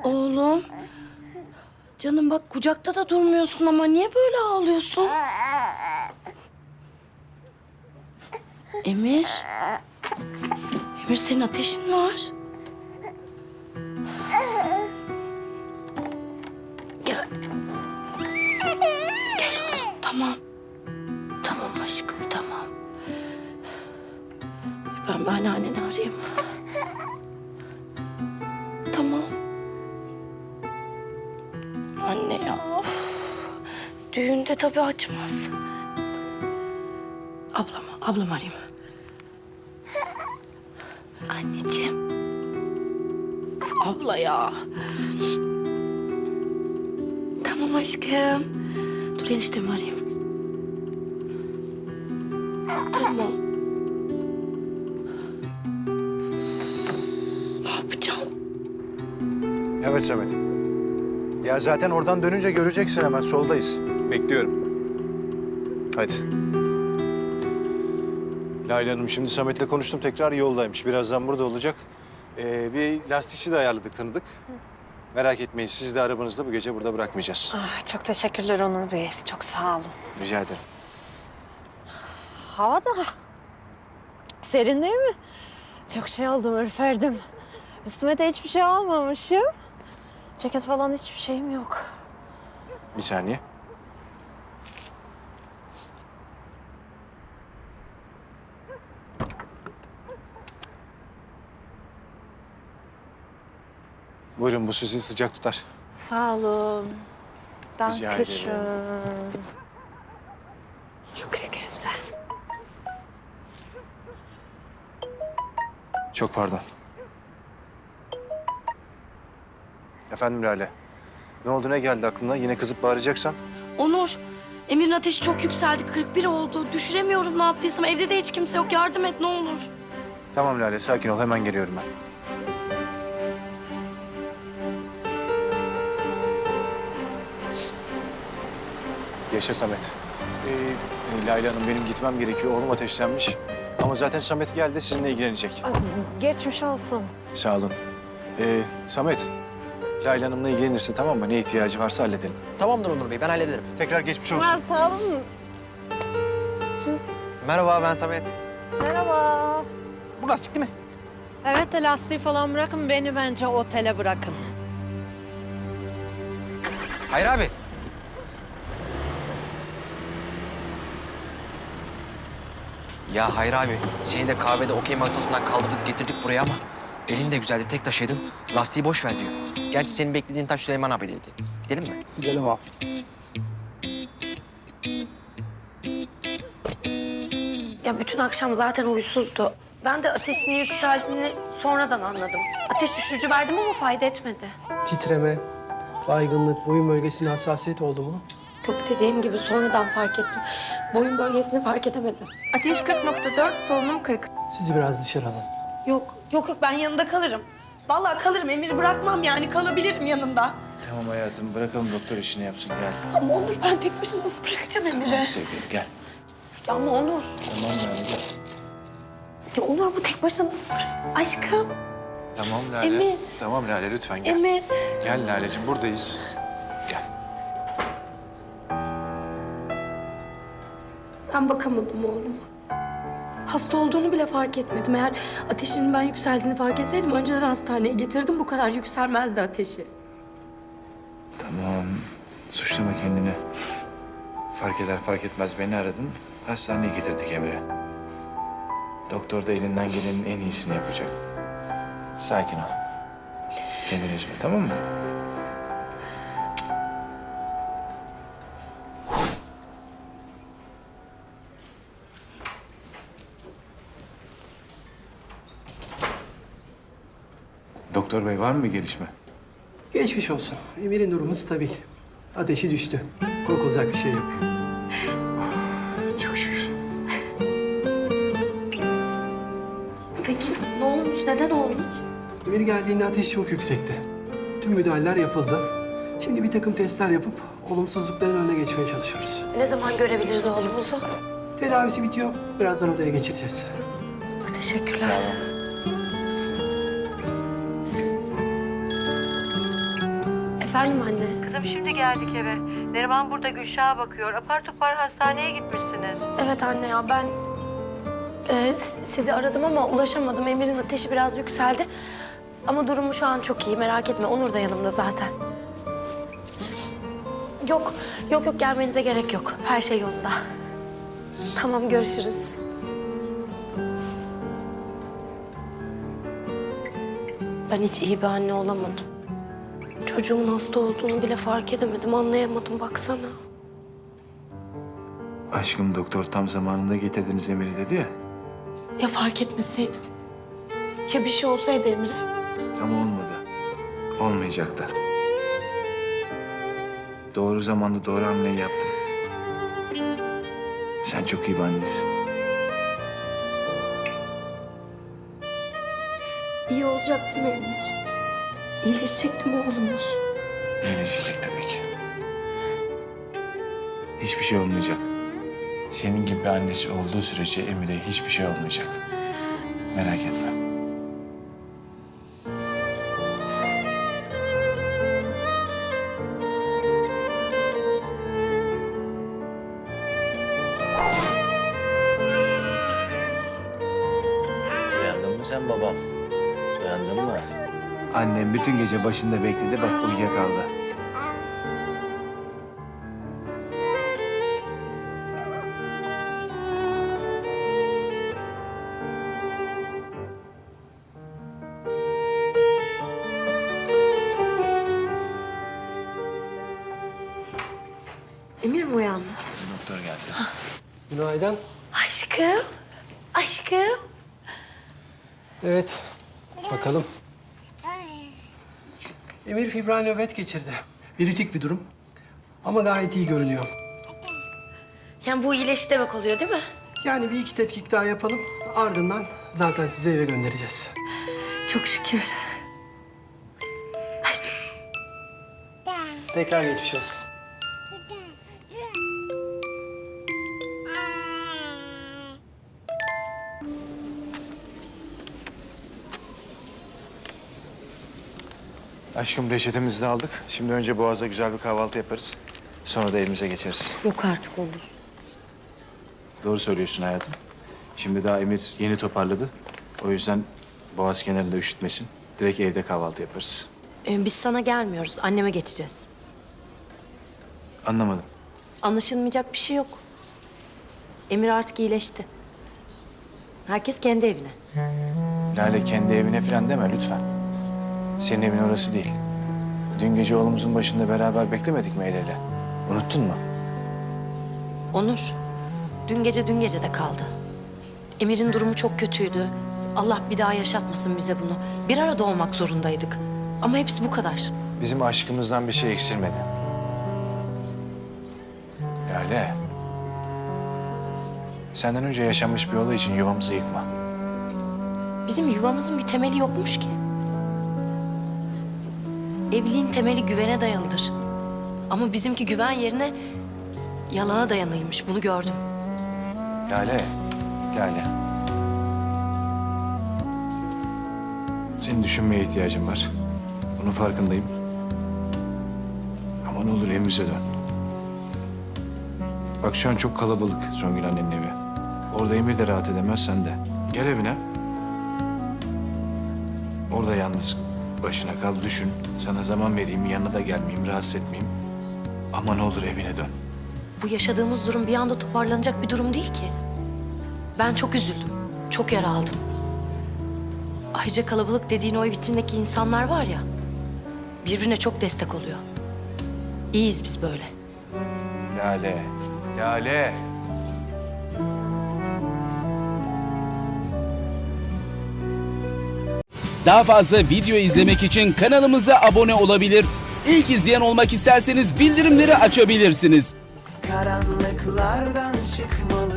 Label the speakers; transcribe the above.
Speaker 1: Oğlum. Canım bak kucakta da durmuyorsun ama niye böyle ağlıyorsun? Emir. Emir senin ateşin var. Gel. Gel oğlum tamam. Tamam aşkım tamam. Ben anneanneni arayayım. Tamam. Anne ya. Düğünde tabii açmaz. Ablam arayayım. Anneciğim. Uf, abla ya. Tamam aşkım. Dur eniştemi arayayım. Tamam. Ne yapacağım?
Speaker 2: Evet Samet. Ya zaten oradan dönünce göreceksin hemen. Soldayız. Bekliyorum. Hadi. Lale Hanım şimdi Samet'le konuştum. Tekrar yoldaymış. Birazdan burada olacak. Bir lastikçi de ayarladık, tanıdık. Merak etmeyin. Sizi de arabanızda bu gece burada bırakmayacağız.
Speaker 3: Ah, çok teşekkürler Onur Bey. Çok sağ olun.
Speaker 2: Rica ederim.
Speaker 3: Hava da serin değil mi? Çok şey oldum, ürperdim. Üstüme de hiçbir şey almamışım. Ceket falan hiçbir şeyim yok.
Speaker 2: Bir saniye. Buyurun, bu sizi sıcak tutar.
Speaker 3: Sağ olun.
Speaker 2: Rica ederim.
Speaker 3: Dankeschön. Çok güzel.
Speaker 2: Çok pardon. Efendim Lale. Ne oldu, ne geldi aklına? Yine kızıp bağıracaksan?
Speaker 1: Onur. Emir'in ateşi çok yükseldi. 41 oldu. Düşüremiyorum ne yaptıysam. Evde de hiç kimse yok. Yardım et ne olur.
Speaker 2: Tamam Lale, sakin ol. Hemen geliyorum ben. Yaşa Samet. Lale Hanım, benim gitmem gerekiyor. Oğlum ateşlenmiş. Ama zaten Samet geldi, sizinle ilgilenecek.
Speaker 3: Geçmiş olsun.
Speaker 2: Sağ olun. Samet, Lale Hanım'la ilgilenirsin, tamam mı? Ne ihtiyacı varsa halledelim.
Speaker 4: Tamamdır Onur Bey, ben hallederim.
Speaker 2: Tekrar geçmiş olsun.
Speaker 3: Ha, sağ olun.
Speaker 4: Merhaba, ben Samet.
Speaker 3: Merhaba.
Speaker 4: Bu lastik değil mi?
Speaker 3: Evet de lastiği falan bırakın, beni bence otele bırakın.
Speaker 4: Hayır abi. Ya Hayır abi, seni de kahvede okey masasından kaldırdık getirdik buraya ama elin de güzeldi, tek taşıydın. Lastiği boş ver diyor. Gerçi senin beklediğin taş Süleyman abi dedi. Gidelim mi?
Speaker 5: Gidelim abi.
Speaker 1: Ya bütün akşam zaten huysuzdu. Ben de ateşinin yükseldiğini sonradan anladım. Ateş düşürücü verdim ama fayda etmedi.
Speaker 5: Titreme, baygınlık, boyun bölgesinde hassasiyet oldu mu?
Speaker 1: Yok dediğim gibi sonradan fark ettim. Boyun bölgesini fark edemedim.
Speaker 6: Ateş 40.4, solunum 40.
Speaker 5: Sizi biraz dışarı alalım.
Speaker 1: Yok ben yanında kalırım. Vallahi kalırım Emir'i bırakmam yani kalabilirim yanında.
Speaker 2: Tamam hayatım, bırakalım doktor işini yapsın. Gel.
Speaker 1: Ama Onur ben tek başına nasıl bırakacağım Emir'i?
Speaker 2: Sevgilim, gel.
Speaker 1: Ya ama Onur.
Speaker 2: Tamam Lale, gel.
Speaker 1: Ya Onur bu tek başına nasıl bırak? Aşkım.
Speaker 2: Tamam Lale.
Speaker 1: Emir.
Speaker 2: Tamam Lale, lütfen gel.
Speaker 1: Emir.
Speaker 2: Gel Lale'ciğim, buradayız. Gel.
Speaker 1: Ben bakamadım oğluma. Hasta olduğunu bile fark etmedim. Eğer ateşinin ben yükseldiğini fark etseydim önceden hastaneye getirdim. Bu kadar yükselmezdi ateşi.
Speaker 2: Tamam, suçlama kendini. Fark eder fark etmez beni aradın. Hastaneye getirdik Emre. Doktor da elinden gelenin en iyisini yapacak. Sakin ol. Kendini üzme, tamam mı? Doktor bey, var mı bir gelişme?
Speaker 5: Geçmiş olsun. Emir'in durumu stabil. Ateşi düştü. Korkulacak bir şey yok.
Speaker 2: Çok şükür.
Speaker 1: Peki ne olmuş? Neden olmuş?
Speaker 5: Emir geldiğinde ateş çok yüksekti. Tüm müdahaleler yapıldı. Şimdi bir takım testler yapıp olumsuzlukların önüne geçmeye çalışıyoruz.
Speaker 1: Ne zaman görebiliriz oğlumuzu?
Speaker 5: Tedavisi bitiyor. Birazdan odaya geçireceğiz.
Speaker 1: Teşekkürler.
Speaker 2: Sağ olun.
Speaker 1: Efendim anne.
Speaker 7: Kızım şimdi geldik eve. Neriman burada Gülşah'a bakıyor. Apar topar hastaneye gitmişsiniz.
Speaker 1: Evet anne ya ben sizi aradım ama ulaşamadım. Emir'in ateşi biraz yükseldi. Ama durumu şu an çok iyi, merak etme. Onur da yanımda zaten. Yok gelmenize gerek yok. Her şey yolunda. Tamam, görüşürüz. Ben hiç iyi bir anne olamadım. Çocuğumun hasta olduğunu bile fark edemedim, anlayamadım baksana.
Speaker 2: Aşkım doktor tam zamanında getirdiniz Emir'i dedi ya.
Speaker 1: Ya fark etmeseydim? Ya bir şey olsaydı Emir'e?
Speaker 2: Ama olmadı. Olmayacak da. Doğru zamanda doğru hamleyi yaptın. Sen çok iyi bir annesin.
Speaker 1: İyi olacak değil mi Emir? İyileşecek değil mi oğlumuz?
Speaker 2: İyileşecek tabii ki. Hiçbir şey olmayacak. Senin gibi bir annesi olduğu sürece Emir'e hiçbir şey olmayacak. Merak etme.
Speaker 8: Uyandın mı sen babam? Uyandın mı?
Speaker 2: Annem bütün gece başında bekledi, bak uyuyakaldı.
Speaker 1: Emir mi uyandı?
Speaker 2: Doktor geldi.
Speaker 5: Günaydın.
Speaker 1: Aşkım.
Speaker 5: Evet, bakalım. Emir fibral nöbet geçirdi. Virütik bir durum. Ama gayet iyi görünüyor.
Speaker 1: Yani bu iyileşti demek oluyor değil mi?
Speaker 5: Yani bir iki tetkik daha yapalım. Ardından zaten sizi eve göndereceğiz.
Speaker 1: Çok şükür.
Speaker 5: Tekrar geçmiş olsun.
Speaker 2: Aşkım reçetemizi de aldık. Şimdi önce Boğaz'da güzel bir kahvaltı yaparız. Sonra da evimize geçeriz.
Speaker 1: Yok artık olur.
Speaker 2: Doğru söylüyorsun hayatım. Şimdi daha Emir yeni toparladı. O yüzden Boğaz kenarında üşütmesin. Direkt evde kahvaltı yaparız.
Speaker 1: Biz sana gelmiyoruz. Anneme geçeceğiz.
Speaker 2: Anlamadım.
Speaker 1: Anlaşılmayacak bir şey yok. Emir artık iyileşti. Herkes kendi evine.
Speaker 2: Lale kendi evine falan deme lütfen. Senin evin orası değil. Dün gece oğlumuzun başında beraber beklemedik mi el ele? Unuttun mu?
Speaker 1: Onur, dün gece de kaldı. Emir'in durumu çok kötüydü. Allah bir daha yaşatmasın bize bunu. Bir arada olmak zorundaydık. Ama hepsi bu kadar.
Speaker 2: Bizim aşkımızdan bir şey eksilmedi. Lale. Senden önce yaşanmış bir olay için yuvamızı yıkma.
Speaker 1: Bizim yuvamızın bir temeli yokmuş ki. Evliliğin temeli güvene dayalıdır. Ama bizimki güven yerine yalana dayanıymış. Bunu gördüm.
Speaker 2: Lale. Lale. Senin düşünmeye ihtiyacın var. Bunun farkındayım. Ama ne olur evimize dön. Bak şu an çok kalabalık Songül annenin evi. Orada Emir de rahat edemez, sen de. Gel evine. Orada yalnız başına kal, düşün. Sana zaman vereyim, yanına da gelmeyeyim, rahatsız etmeyeyim. Ama ne olur evine dön.
Speaker 1: Bu yaşadığımız durum bir anda toparlanacak bir durum değil ki. Ben çok üzüldüm. Çok yara aldım. Ayrıca kalabalık dediğin o ev içindeki insanlar var ya, birbirine çok destek oluyor. İyiyiz biz böyle.
Speaker 2: Lale. Lale.
Speaker 9: Daha fazla video izlemek için kanalımıza abone olabilir. İlk izleyen olmak isterseniz bildirimleri açabilirsiniz.
Speaker 10: Karanlıklardan çıkmalı.